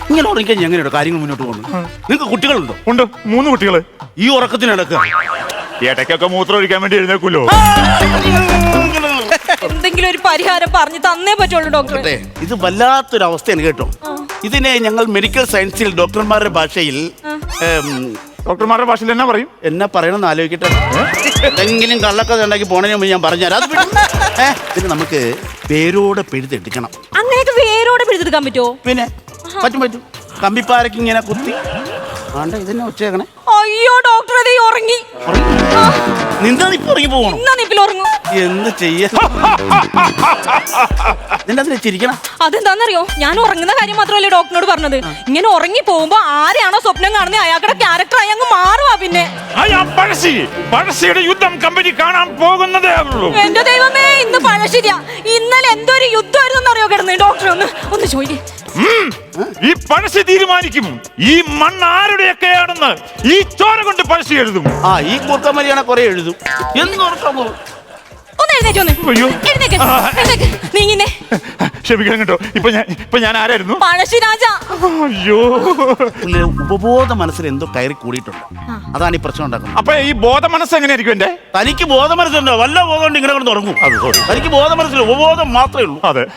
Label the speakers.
Speaker 1: ഇങ്ങനെ ഉറങ്ങിക്കഴിഞ്ഞാൽ എങ്ങനെയുണ്ടോ കാര്യങ്ങൾ മുന്നോട്ട് പോകുന്നത്? നിങ്ങൾക്ക് കുട്ടികളുണ്ടോ?
Speaker 2: ഉണ്ട്, 3 കുട്ടികള്.
Speaker 1: ഈ ഉറക്കത്തിനടക്കുക
Speaker 2: ഇടയ്ക്കൊക്കെ മൂത്രം ഒഴിക്കാൻ വേണ്ടി എഴുന്നേക്കുമല്ലോ.
Speaker 3: എന്തെങ്കിലും ഒരു പരിഹാരം പറഞ്ഞു തന്നേ പറ്റുള്ളൂ ഡോക്ടറെ.
Speaker 1: ഇത് വല്ലാത്തൊരു അവസ്ഥയാണ് കേട്ടോ. ഇതിനെ ഞങ്ങൾ മെഡിക്കൽ സയൻസിൽ ഡോക്ടർമാരുടെ ഭാഷയിൽ
Speaker 2: ഡോക്ടർമാരുടെ ഭാഷയിൽ എന്നാ പറയും?
Speaker 1: എന്നാ പറയണമെന്ന് ആലോചിക്കട്ടെ. എന്തെങ്കിലും കള്ളക്കഥ ഉണ്ടാക്കി പോണതിന് മുമ്പ് ഞാൻ പറഞ്ഞുതരാം. അത് പിന്നെ നമുക്ക് വേരോടെ പിഴുതെടുക്കണം.
Speaker 3: അങ്ങനെയൊക്കെ വേരോടെ പിടിച്ചെടുക്കാൻ പറ്റുമോ?
Speaker 1: പിന്നെ പറ്റും. കമ്പിപ്പാരക്ക് ഇങ്ങനെ കുത്തി ആണ്ട ഇതന്നെ ഉച്ചേക്കണേ.
Speaker 3: അയ്യോ ഡോക്ടർ അതേ ഉറങ്ങി.
Speaker 1: നിന്നാ ഇപ്പൊ ഉറങ്ങി പോകണം.
Speaker 3: എന്നാ നിപ്പിൽ ഉറങ്ങും.
Speaker 1: എന്ത് ചെയ്യാ? നിന്റെ അതിനെ ചിരിക്കണം.
Speaker 3: അതെന്താന്നറിയോ, ഞാൻ ഉറങ്ങുന്ന കാര്യം മാത്രമല്ലേ ഡോക്ടറിനോട് പറഞ്ഞത്. ഇങ്ങനെ ഉറങ്ങി പോകുമ്പോ ആരെയാണോ സ്വപ്നം കാണുന്നത് അയാളുടെ ക്യാരക്ടറായി അങ്ങ് മാറുവാ. പിന്നെ
Speaker 2: പഴശ്ശിയുടെ യുദ്ധം കമ്പനി കാണാൻ പോകുന്നതേ ഉള്ളൂ.
Speaker 3: എന്റെ ദൈവമേ, ഇന്ന് പഴശ്ശിരിയാ. ഇന്നലെ എന്തൊരു യുദ്ധമായിരുന്നു അറിയോ കിടന്ന്. ഡോക്ടർ ഒന്ന് ചോദിക്കേ.
Speaker 2: ഈ പഴശ്ശി തീരുമാനിക്കും ഈ മണ്ണ് ആരുടെയൊക്കെയാണെന്ന്. ഈ ചോര കൊണ്ട് പഴശ്ശി എഴുതും.
Speaker 1: ഈ കൂർക്കമരിയാണെ കുറെ എഴുതും.
Speaker 3: ഒന്ന് എഴുന്നേറ്റ് വന്ന്.
Speaker 2: അയ്യോ.
Speaker 3: എഴുന്നേക്ക്. നീങ്ങിന്നെ.
Speaker 2: ക്ഷമിക്കണം കേട്ടോ. ഇപ്പൊ ഞാൻ ആരായിരുന്നു?
Speaker 3: പഴശ്ശി രാജ.
Speaker 2: അയ്യോ.
Speaker 1: ഉപബോധ മനസ്സിൽ എന്തോ കയറി കൂടിയിട്ടുണ്ട്. അതാണ് ഈ പ്രശ്നം ഉണ്ടാക്കുന്നത്.
Speaker 2: അപ്പൊ ഈ ബോധ മനസ്സ് എങ്ങനെയായിരിക്കും എന്റെ?
Speaker 1: തനിക്ക് ബോധ മനസ്സുണ്ടോ? വല്ല ബോധം കൊണ്ട് ഇങ്ങനെ കൊണ്ട് ഉറങ്ങും. തനിക്ക് ബോധ മനസ്സിൽ ഉപബോധം മാത്രമേ ഉള്ളൂ.
Speaker 2: അതെ.